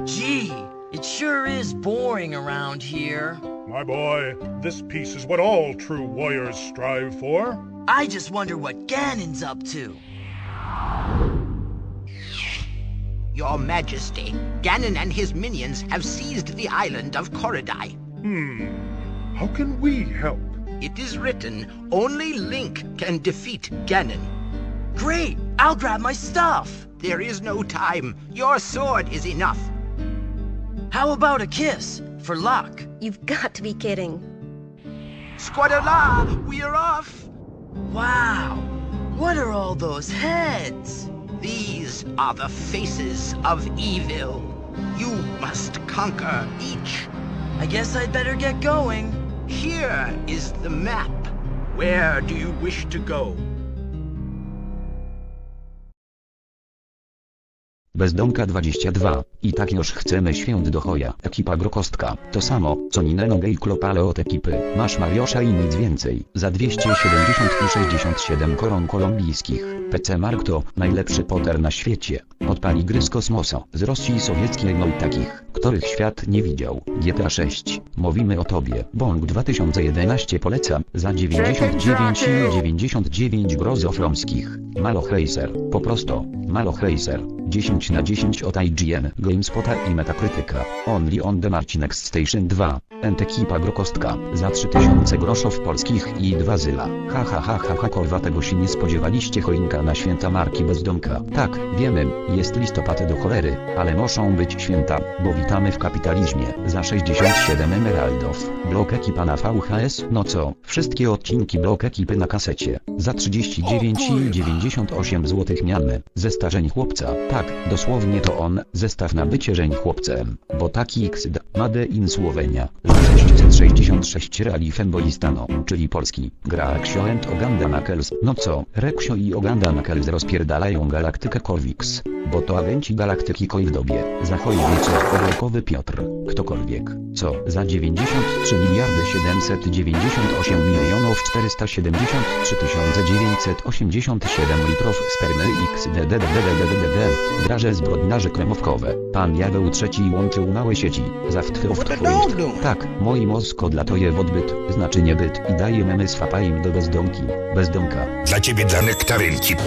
Gee, it sure is boring around here. My boy, this peace is what all true warriors strive for. I just wonder what Ganon's up to. Your Majesty, Ganon and his minions have seized the island of Korodai. How can we help? It is written, only Link can defeat Ganon. Great! I'll grab my stuff. There is no time. Your sword is enough. How about a kiss? For luck. You've got to be kidding. Squadala, we're off. Wow! What are all those heads? These are the faces of evil. You must conquer each. I guess I'd better get going. Here is the map. Where do you wish to go? Bezdomka 22. I tak już chcemy świąt do choja. Ekipa Grokostka. To samo, co Nineno Gay Club, ale od ekipy. Masz Mariosza i nic więcej. Za 270 i 67 koron kolumbijskich. PC Mark to najlepszy Potter na świecie. Odpali gry z kosmosa, z Rosji sowieckiej, no i takich, których świat nie widział. GTA 6. Mówimy o tobie. Bong 2011 polecam. Za 99 i 99 grozofromskich. Maloch Racer. Po prostu. Maloch Racer. 10 na 10 od IGN, GameSpota i Metacritica. Only on the Marcinex Station 2. Ekipa Grokostka. Za 3000 groszów polskich i 2 zyla. Ha ha ha ha ha, kurwa, tego się nie spodziewaliście. Choinka na święta marki Bezdomka. Tak, wiemy, jest listopad do cholery, ale muszą być święta, bo witamy w kapitalizmie. Za 67 emeraldów. Blok ekipa na VHS. No co, wszystkie odcinki blok ekipy na kasecie. Za 39 i 98 zł miany. Zestarzeń chłopca. Tak, dosłownie to on, zestaw na bycie żeń chłopcem. Bo taki XD, Made in Słowenia. Za 666 reali Fembolistano, czyli polski. Gra Reksio and Oganda Knuckles. No co, Reksio i Oganda Knuckles rozpierdalają galaktykę Corvix. Bo to agenci galaktyki koi w dobie. Zachoj wieczór orłokowy Piotr. Ktokolwiek. Co? Za 93 miliardy 798 milionów 473 987 litrów spermy XDDDDDDD. Draże zbrodniarze kremówkowe. Pan Jaweł III łączył małe sieci. Tak, moi mózg odlatuje w odbyt, znaczy niebyt i daje memy z fapaim do bezdomki. Bezdomka. Dla ciebie dla nektarynki.